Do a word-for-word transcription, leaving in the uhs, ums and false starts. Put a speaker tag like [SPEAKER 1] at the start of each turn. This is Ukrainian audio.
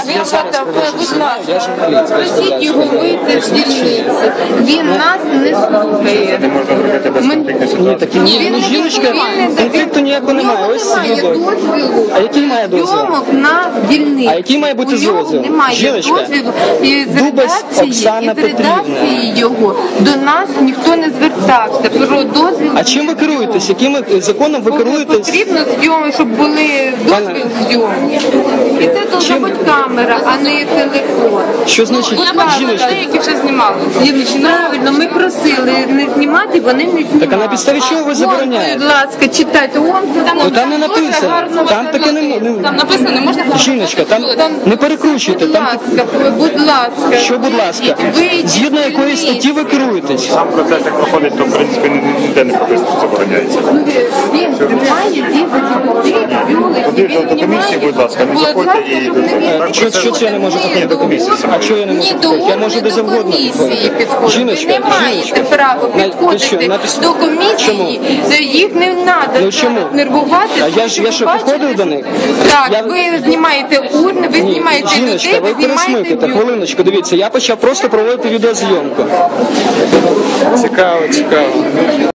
[SPEAKER 1] Він фотографує, будь
[SPEAKER 2] Я
[SPEAKER 1] ласка,
[SPEAKER 2] журналіст.
[SPEAKER 1] просіть його вийти з дільниці. Він нас не слухає.
[SPEAKER 3] Не можна робити без конфліктної
[SPEAKER 2] Ні,
[SPEAKER 3] ситуації.
[SPEAKER 2] такі ні,
[SPEAKER 1] Він
[SPEAKER 2] ну
[SPEAKER 1] не
[SPEAKER 2] жіночка,
[SPEAKER 1] відповідний,
[SPEAKER 2] конфлікту ніякого немає. Ось
[SPEAKER 1] немає
[SPEAKER 2] відео.
[SPEAKER 1] дозвілу.
[SPEAKER 2] А який має дозвіл?
[SPEAKER 1] Зйомок на дільниці.
[SPEAKER 2] А який має бути
[SPEAKER 1] У нього
[SPEAKER 2] дозвіл?
[SPEAKER 1] Немає
[SPEAKER 2] Жіночка,
[SPEAKER 1] дозвілу. І з
[SPEAKER 2] Дубас
[SPEAKER 1] редакції,
[SPEAKER 2] Оксана
[SPEAKER 1] і з редакції його до нас ніхто не звертався. Про дозвіл.
[SPEAKER 2] А чим ви керуєтесь? Яким законом ви керуєтесь?
[SPEAKER 1] Потрібно зйомки, щоб були дозвіл зйомки. І це должна бути камера, а не телефон.
[SPEAKER 2] Що значить жіночка?
[SPEAKER 1] Які вже знімали. Правильно, ми просили не знімати, вони не знімали.
[SPEAKER 2] Так а на підставі чого ви забороняєте?
[SPEAKER 1] Будь ласка, читайте. Он, там,
[SPEAKER 2] Ну там не написано. Там таке не м- не-
[SPEAKER 1] Там написано, не можна.
[SPEAKER 2] Жіночка, там не перекручуйте.
[SPEAKER 1] Будь
[SPEAKER 2] Там
[SPEAKER 1] ласка, будь ласка.
[SPEAKER 2] що, будь ласка,
[SPEAKER 1] Вийдіть,
[SPEAKER 2] згідно якої статті ви керуєтесь?
[SPEAKER 3] Сам процес як проходить, то в принципі ніде не прописано, що забороняється.
[SPEAKER 1] Він знімає дітей,
[SPEAKER 3] Туди до, до комісії, будь ласка, не заходьте і до цього. Так,
[SPEAKER 2] Що, що це я не можу
[SPEAKER 3] Ні,
[SPEAKER 2] заходити?
[SPEAKER 3] до комісії.
[SPEAKER 2] А що я не можу
[SPEAKER 1] Ні до
[SPEAKER 2] заходити? Я можу
[SPEAKER 1] ні
[SPEAKER 2] де
[SPEAKER 1] до
[SPEAKER 2] завгодно
[SPEAKER 1] комісії
[SPEAKER 2] підходити.
[SPEAKER 1] підходити.
[SPEAKER 2] Жіночка,
[SPEAKER 1] Ви не маєте
[SPEAKER 2] жіночка.
[SPEAKER 1] права
[SPEAKER 2] На- ти що,
[SPEAKER 1] підходити
[SPEAKER 2] на піс-
[SPEAKER 1] до комісії.
[SPEAKER 2] Чому?
[SPEAKER 1] Їх не треба
[SPEAKER 2] Ну, чому?
[SPEAKER 1] нервувати.
[SPEAKER 2] А я ж- я що,
[SPEAKER 1] Бачите?
[SPEAKER 2] підходив до них?
[SPEAKER 1] Так,
[SPEAKER 2] Я-
[SPEAKER 1] ви знімаєте урни, ви
[SPEAKER 2] Ні,
[SPEAKER 1] знімаєте
[SPEAKER 2] жіночка,
[SPEAKER 1] людей,
[SPEAKER 2] ви
[SPEAKER 1] ви знімаєте
[SPEAKER 2] пересмикайте,
[SPEAKER 1] бюро.
[SPEAKER 2] хвилиночку, дивіться, я почав просто проводити відеозйомку.
[SPEAKER 3] Цікаво, цікаво.